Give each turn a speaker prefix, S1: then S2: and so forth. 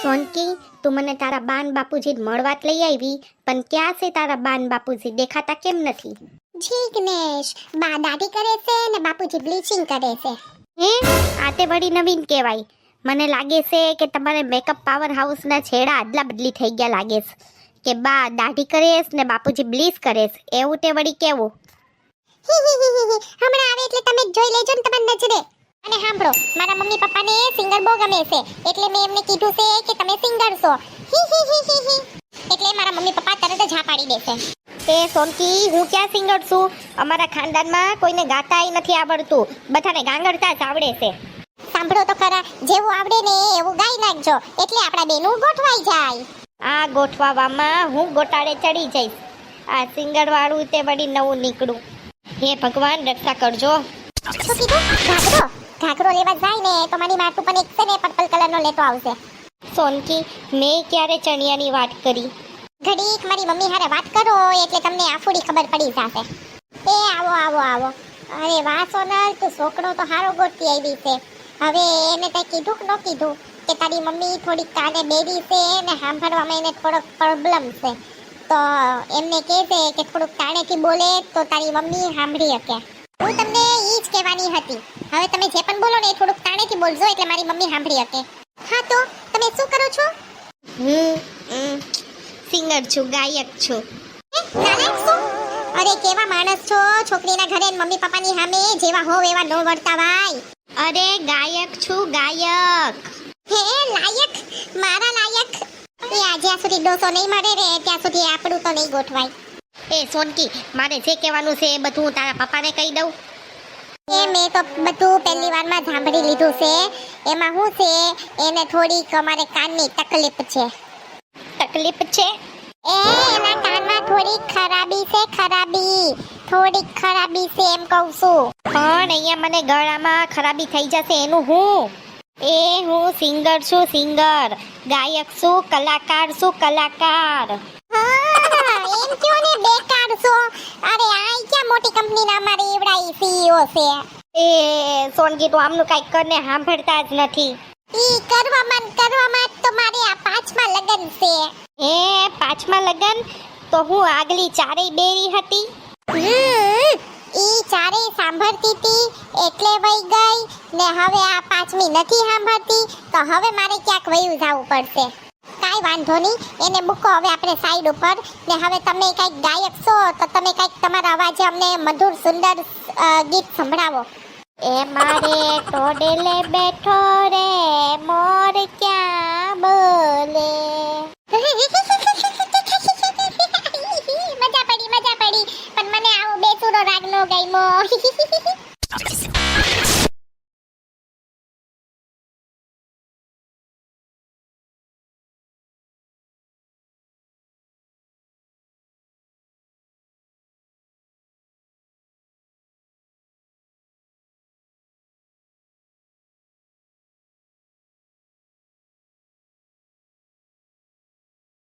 S1: સોનકી, તું મને તારા બાન બાપુજી મળવાત લઈ આવી, પણ ક્યાં છે તારા બાન બાપુજી? દેખાતા કેમ નથી?
S2: જીગ્નેશ, બા દાઢી કરે છે ને બાપુજી બ્લીચિંગ કરે છે.
S1: હે, આ તે વળી નવીન કહેવાય. મને લાગે છે કે તમારે મેકઅપ પાવર હાઉસના છેડા આદલા બદલી થઈ ગયા લાગે છે, કે બા દાઢી કરેશ ને બાપુજી બ્લીચ કરેશ, એવું તે વળી કેવું?
S2: હમણાં આવે એટલે તમે જોઈ લેજો ને તમારી નજરે. અને સાંભળો, મારા મમ્મી પપ્પાને સિંગર બહુ ગમે છે, એટલે મેં એમને કીધું છે કે તમે સિંગર છો. એટલે મારા મમ્મી પપ્પા તરત જ હા પાડી દેશે.
S1: તે સોનકી, હું ક્યાં સિંગર છું? અમારા ખાનદાનમાં કોઈને ગાતાય નથી આવડતું, બધાને ગાંગડતા જ આવડે છે.
S2: સાંભળો તો ખરા, જેવું આવડે ને એવું ગાઈ નાખજો, એટલે આપણા બેનું ગોઠવાઈ જાય.
S1: આ ગોઠવામાં હું ગોટાળે ચડી જઈશ. આ સિંગર વાળું તે વળી નવું નીકળું. હે ભગવાન, રક્ષા કરજો.
S2: શું કીધું? ઘાઘરો? ઘાઘરો લેવા જાય ને તો મારી માટું પણ એક છે ને પર્પલ કલરનો લેતો આવશે.
S1: સોનકી, મેં ક્યારે ચણિયાની વાત કરી?
S2: ઘડીક મારી મમ્મી હારે વાત કરો એટલે તમને આફુડી ખબર પડી જશે. એ આવો આવો આવો. અરે વાહ સોનલ, તું છોકરો તો હારો ગોતી આવી છે. હવે એને કઈ કીધું કે ન કીધું કે તારી મમ્મી થોડીક કાને બેરી છે ને સાંભળવામાં એને થોડોક પ્રોબ્લેમ છે, તો એમને કહેશે કે થોડુંક તાણેથી બોલે તો તારી મમ્મી સાંભળી શકે. હું તમને ઈ જ કહેવાની હતી. હવે તમે જે પણ બોલો ને એ થોડુંક તાણેથી બોલજો એટલે મારી મમ્મી સાંભળી શકે. હા, તો તમે શું કરો છો?
S1: હું સિંગર છું, ગાયક છું.
S2: નાલાયક છો? અરે કેવા માણસ છો, છોકરીના ઘરે મમ્મી પપ્પાની સામે જેવા હોવ એવા ન વર્તાવાય.
S1: અરે ગાયક છું, ગાયક.
S2: હે લાયક? મારા લાયક? એ જ્યાં સુધી ડોસો નહીં મળે રે ત્યાં સુધી આપણું તો નહીં ગોઠવાય.
S1: એ સોનકી, મારે જે કહેવાનું છે એ બધું હું તારા પપ્પાને કહી દઉં.
S2: એ મેં તો બધું પહેલી વારમાં સાંભળી લીધું છે. એમાં શું છે, એને થોડીક અમારે કાનની તકલીફ છે.
S1: તકલીફ છે?
S2: એના કાનમાં થોડીક ખરાબી છે, થોડીક ખરાબી છે એમ કહું છું.
S1: પણ અહીંયા મને ગળામાં ખરાબી થઈ જશે એનું હું? હું સિંગર છું, સિંગર. ગાયક છું, કલાકાર છું, કલાકાર.
S2: હા, એમ ક્યો ને બેકાર છો. અરે આ ક્યાં મોટી કંપનીના અમારે એવડા સીઈઓ છે.
S1: એ સોનકી, તું આમનું કાંઈક કરને સાંભળતા જ નથી.
S2: ઈ કરવામાં તો મારે આ 5મા લગન છે.
S1: 5મા લગન? તો હું આગલી ચારેય બેરી હતી.
S2: ઈ ચારેય સાંભળતી હતી એટલે વઈ ગઈ ને હવે આ 5મી નથી સાંભળતી, તો હવે મારે ક્યાંક વયું જવું પડશે. કાંઈ વાંધો નહીં, એને મૂકો હવે આપણે સાઈડ ઉપર. ને હવે તમે કંઈક ગાયક છો તો તમે કંઈક તમારા અવાજે અમને મધુર સુંદર ગીત સંભળાવો.
S1: એ મારે ટોડલે બેઠો રે મોર ક્યાં બોલે.
S2: મજા પડી, પણ મને આવો બેસુરો રાગ નો ગમ્યો.